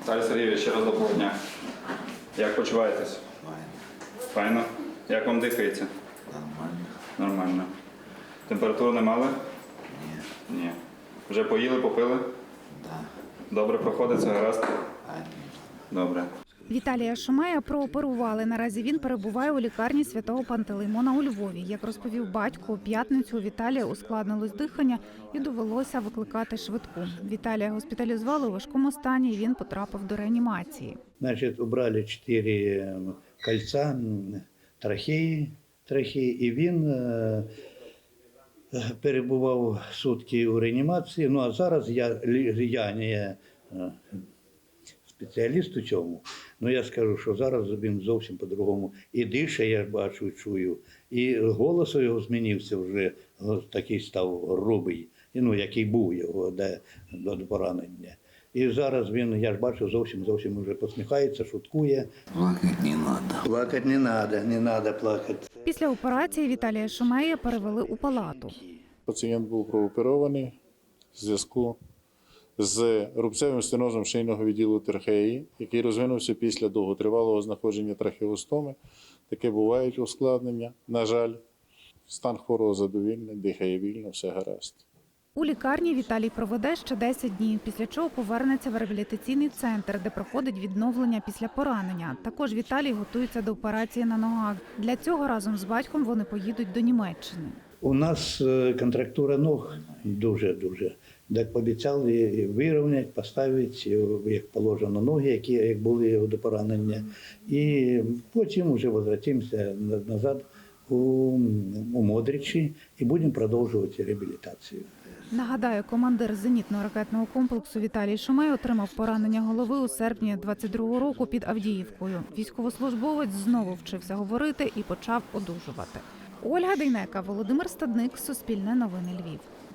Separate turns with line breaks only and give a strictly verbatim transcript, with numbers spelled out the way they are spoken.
Віталій Сергійович, ще раз доброго дня. Як почуваєтесь?
Файно.
Файно? Як вам дихається?
Нормально.
Нормально. Температуру не мали?
Ні.
Ні. Вже поїли, попили?
Да.
Добре проходить, це гаразд?
Ані.
Добре.
Віталія Шумея прооперували. Наразі він перебуває у лікарні Святого Пантелеймона у Львові. Як розповів батько, у п'ятницю у Віталія ускладнилось дихання і довелося викликати швидку. Віталія госпіталізували у важкому стані і він потрапив до реанімації.
Значит, убрали четыре кольца м, трахеї, трахеї, і він е, перебував сутки у реанімації. Ну а зараз я, лі- я не е, спеціаліст у цьому, але я скажу, що зараз він зовсім по-другому і дише, я бачу, чую, і голос його змінився вже, такий став грубий, і, ну, який був його де, до поранення. І зараз він, я ж бачу, зовсім зовсім вже посміхається, шуткує.
Плакать не надо.
Плакати не треба, не треба плакати.
Після операції Віталія Шумея перевели у палату.
Пацієнт був прооперований в зв'язку з рубцевим стенозом шийного відділу трахеї, який розвинувся після довготривалого знаходження трахеостоми. Таке бувають ускладнення. На жаль, стан хворого задовільний, дихає вільно, все гаразд.
У лікарні Віталій проведе ще десять днів, після чого повернеться в реабілітаційний центр, де проходить відновлення після поранення. Також Віталій готується до операції на ногах. Для цього разом з батьком вони поїдуть до Німеччини.
У нас е, контрактура ног дуже-дуже. Так пообіцяли вирівняти, поставити, як положено, ноги, які як були до поранення. І потім вже повертаємося назад у, у Модричі і будемо продовжувати реабілітацію.
Нагадаю, командир зенітного ракетного комплексу Віталій Шумей отримав поранення голови у серпні двадцять другого року під Авдіївкою. Військовослужбовець знову вчився говорити і почав одужувати. Ольга Дейнека, Володимир Стадник, Суспільне новини Львів.